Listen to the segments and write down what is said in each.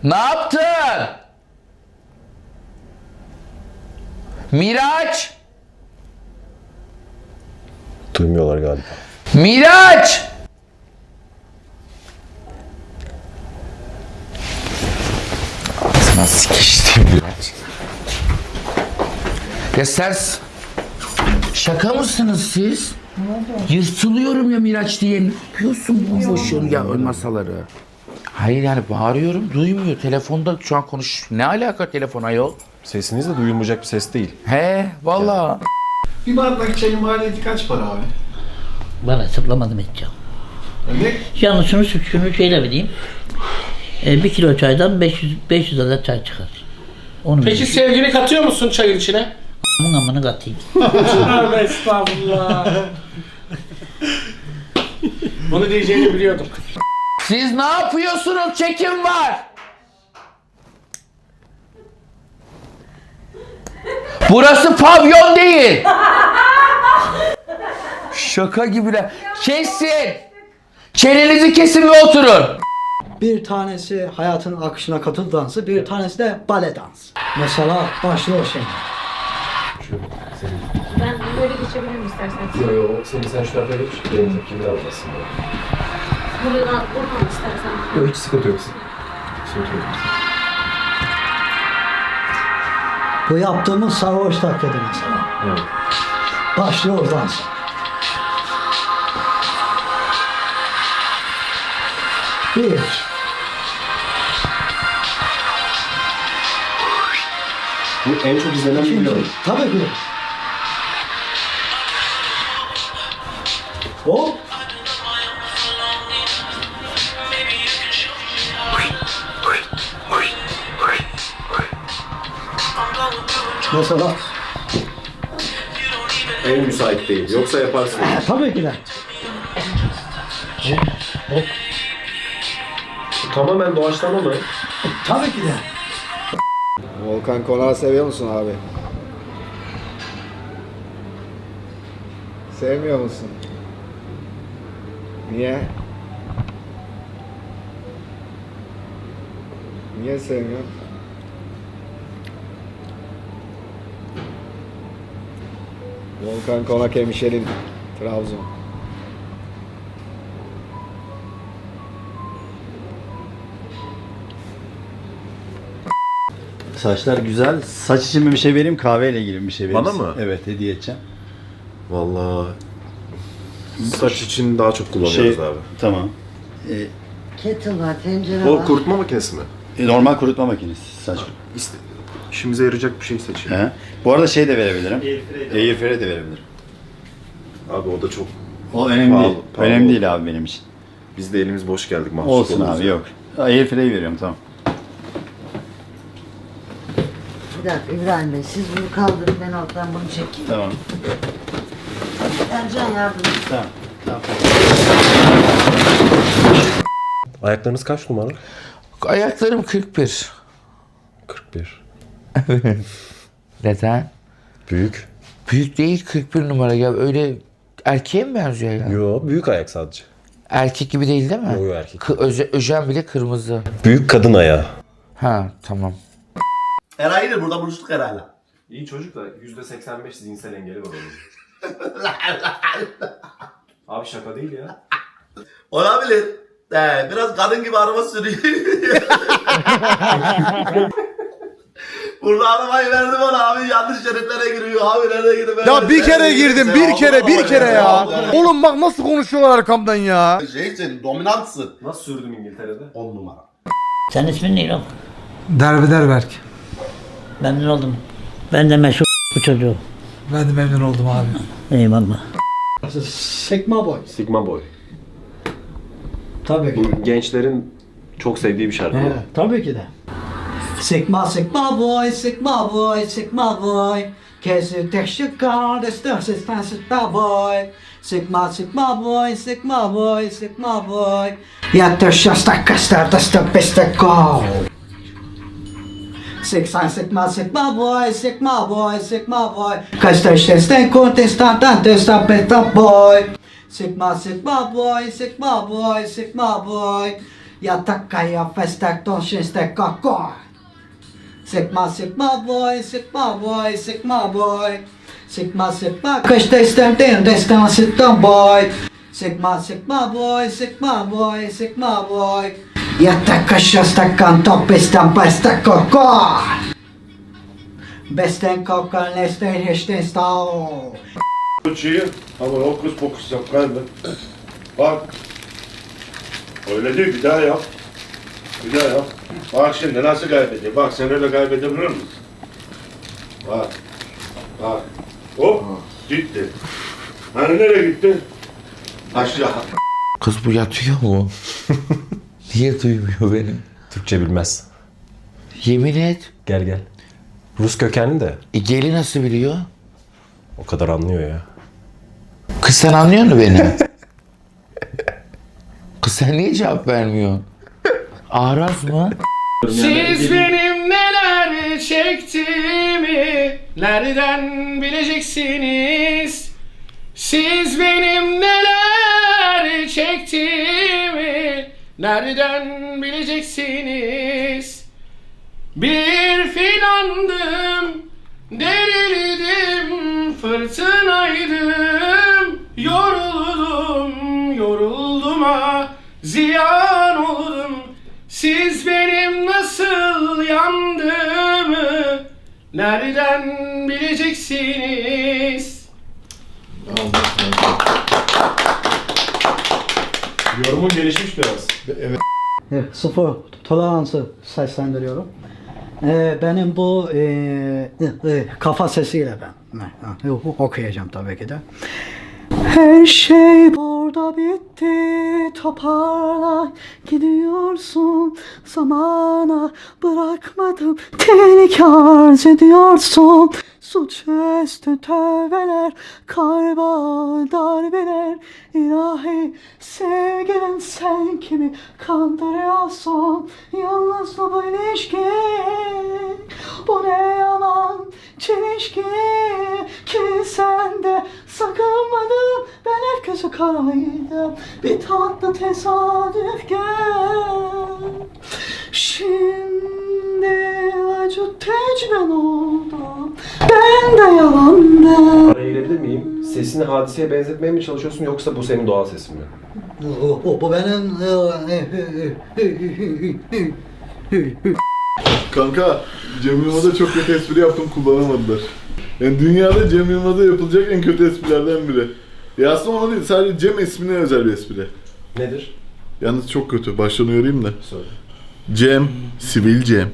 Ne yaptın? Miraç! Duymuyorlar galiba. Miraç! Ağzına sıkıştım Miraç. Ya sen... Şaka mısınız siz? Yırtılıyorum ya Miraç diye. Ne yapıyorsun bomboşun ya ön masaları? Hayır yani bağırıyorum duymuyor. Telefonda şu an konuş. Ne alaka telefon ayol? Sesiniz de duyulmayacak bir ses değil. He valla. Bir bardak çayın maliyeti kaç para abi? Bana hesaplamadım edeceğim. Ne? Yalnız şunu şöyle vereyim. 1 kilo çaydan 500 adet çay çıkar. Onu Peki vereyim. sevgini katıyor musun çayın içine? Amını katayım. Tövbe estağfurullah. Bunu diyeceğini biliyordum. Siz ne yapıyorsunuz? Çekim var. Burası pavyon değil. Şaka gibiler. Kesin. Çenenizi kesin ve oturun. Bir tanesi hayatın akışına katıl dansı, bir tanesi de bale dansı. Mesela başlıyor şimdi. Ben böyle geçebilirim isterseniz. Yok yok sen şu tarafa geç. Benim tepkimi de almasın. Buradan istersen. Yok hiç sıkıntı yok. Sıkıntı yok. Bu yaptığımız sarhoş taklidi mesela. Evet. Başlıyor dans. Bir. Bu en çok izlenen İkinci. video. Tabii ki. Hop. Mesela. En müsait değil. Yoksa yaparsın. Tabii ki de. Bu tamamen doğaçlama mı? Tabii ki de. Volkan Konağı seviyor musun abi? Sevmiyor musun? Niye? Niye sevmiyorsun? Volkan Konak hemşerin Trabzon. Saçlar güzel. Saç için mi bir şey vereyim, kahveyle ilgili bir şey vereyim. Bana mı? Evet, hediye edeceğim. Vallahi saç için daha çok kullanıyoruz abi. Tamam. Kettle var, tencere O var. kurutma makinesi mi? Normal kurutma makinesi saç. İşimize yarayacak bir şey seçelim. He. Bu arada şey de verebilirim. Airfryer de verebilirim. Abi o da çok... O önemli Pahalı, değil. pahalı Önemli oldu. değil abi benim için. Biz de elimiz boş geldik mahsus Olsun oluruz abi ya. yok. Airfryer veriyorum tamam. Bir dakika İbrahim Bey, siz bunu kaldırın, ben alttan bunu çekeyim. Tamam. Ercan yardım et. Tamam. Tamam. Ayaklarınız kaç numara? Ayaklarım 41. 41. Neden? Büyük. Büyük değil 41 numara ya öyle erkeğe mi benziyor ya? Yo büyük ayak sadece. Erkek gibi değil değil mi? Yo, yo, erkek. Öjen bile kırmızı. Büyük kadın ayağı. Ha tamam. Eray'la burada buluştuk Eray'la. İyi çocuk da %85 zihinsel engeli var onun. Abi şaka değil ya. Olabilir. Biraz kadın gibi araba sürüyor. Burada arabayı verdim ona abi, yanlış şeritlere giriyor abi, nereye gidiyor? Ya bir kere girdim, bir kere ya. Oğlum bak nasıl konuşuyorlar arkamdan ya. Şeysin, dominantsın. Nasıl sürdüm İngiltere'de? 10 numara. Senin ismin ne lan? Derbeder Berk. Memnun oldum. Ben de meşhur bu çocuğu. Ben de memnun oldum abi. Eyvallah. Sigma boy. Sigma Boy. Tabii ki. Bu gençlerin çok sevdiği bir şarkı. Evet, tabii ki de. Sigma, Sigma boy, Sigma boy, Sigma boy. Qu'est-ce que je garde, Sigma boy. Sigma, Sigma boy, Sigma boy, Sigma boy. Yatışasta kastlarda stopiste go. Sigma boy, Sigma boy, Sigma boy. Kastışasta contestante stopiste boy. Sigma boy, Sigma boy, Sigma boy. Yatak kıyafet donşinstek kakor. Sigma sigma boy, sigma boy, sigma boy. Sigma sigma kışta isterdim destan sitten boy. Sigma sigma boy, sigma boy, sigma boy. Yatak kışta top istem bestek kakor. Besten kakor nesten hesten stav. Uçuyor ama hokus pokus yap galiba. Bak. Öyle değil, bir daha yap. Bir daha yap. Bak şimdi nasıl kaybediyor. Bak sen öyle kaybedebilir misin? Bak. Bak. Hop. Gitti. Hani nereye gitti? Aşağı. Kız bu yatıyor mu? Niye duymuyor beni? Türkçe bilmez. Yemin et. Gel. Rus kökenli de Geli nasıl biliyor? o kadar anlıyor ya. Kız sen anlıyor musun beni? Kız sen niye cevap vermiyorsun? Araz mı? Siz benim neler çektiğimi nereden bileceksiniz? Siz benim neler çektiğimi nereden bileceksiniz? Bir filandım, derildim, fırtınaydım, yoruldum ha, ziyan oldum. Siz benim nasıl yandığımı nereden bileceksiniz? Yorumun gelişmiş biraz. Sıfır toleransı seslendiriyorum. Benim bu kafa sesiyle ben okuyacağım tabii ki de. Her şey burada bitti, toparla gidiyorsun, zamana bırakmadım, tehlike arz ediyorsun. Suçüstü tövbeler, kalba darbeler, ilahi sevgilim sen kimi kandırıyorsun, yalnız bu ilişki, bu ne yalan çelişki, ki sende sakınmadım, ben herkese karaydım, bir tatlı tesadüf gel. Şimdi acı tecrüben oldu, ben de yalandım. Araya girebilir miyim? Sesini hadiseye benzetmeye mi çalışıyorsun yoksa bu senin doğal sesin mi? Bu benim... Kanka, Cem Yılmaz'a çok kötü espri yaptım, kullanamadılar. Yani dünyada Cem Yılmaz'a yapılacak en kötü esprilerden biri. Ya aslında ona değil, sadece Cem ismine özel bir espri. Nedir? Yalnız çok kötü, baştan uyarayım da. Söyle. Cem, sivil Cem.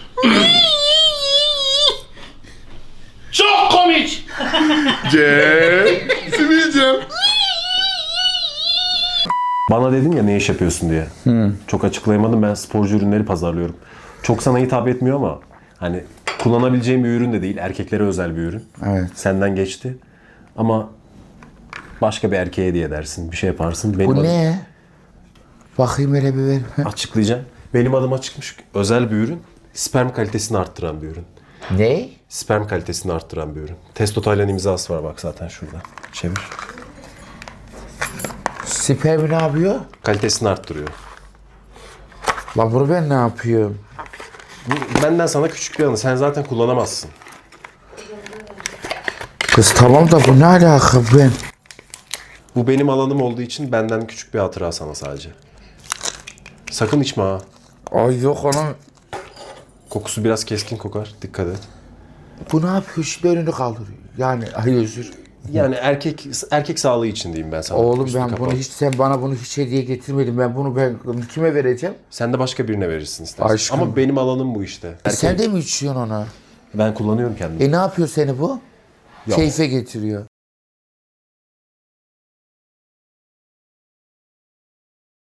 Çok komik. Cem, sivil Cem. Bana dedin ya ne iş yapıyorsun diye. Çok açıklayamadım, ben sporcu ürünleri pazarlıyorum. Çok sana hitap etmiyor ama hani kullanabileceğim bir ürün de değil. Erkeklere özel bir ürün. Evet. Senden geçti. Ama başka bir erkeğe hediye edersin. Bir şey yaparsın. Benim Bu ne? Bakayım hele bir ver. Açıklayacağım. Benim adıma çıkmış özel bir ürün. Sperm kalitesini arttıran bir ürün. Ne? Sperm kalitesini arttıran bir ürün. Testo Taylan imzası var bak zaten şurada. Çevir. Spermi ne yapıyor? Kalitesini arttırıyor. Lan bunu ben ne yapıyorum? Bu benden sana küçük bir anı. Sen zaten kullanamazsın. Kız tamam da bu ne alaka ben? Bu benim alanım olduğu için benden küçük bir hatıra sana sadece. Sakın içme ha. Ay yok anam. Kokusu biraz keskin kokar. Dikkat et. Bu ne yapıyor? Şimdi önünü kaldırıyor. Yani ay özür. Yani erkek sağlığı için diyeyim ben sana. Oğlum Üstü ben kapalı. bunu hiç, sen bana bunu hiç hediye getirmedin. Ben kime vereceğim? Sen de başka birine verirsin istersen. Aşkım. Ama benim alanım bu işte. Sen de mi içiyorsun ona? Ben kullanıyorum kendimi. Ne yapıyor seni bu? Yok. Keyfe getiriyor.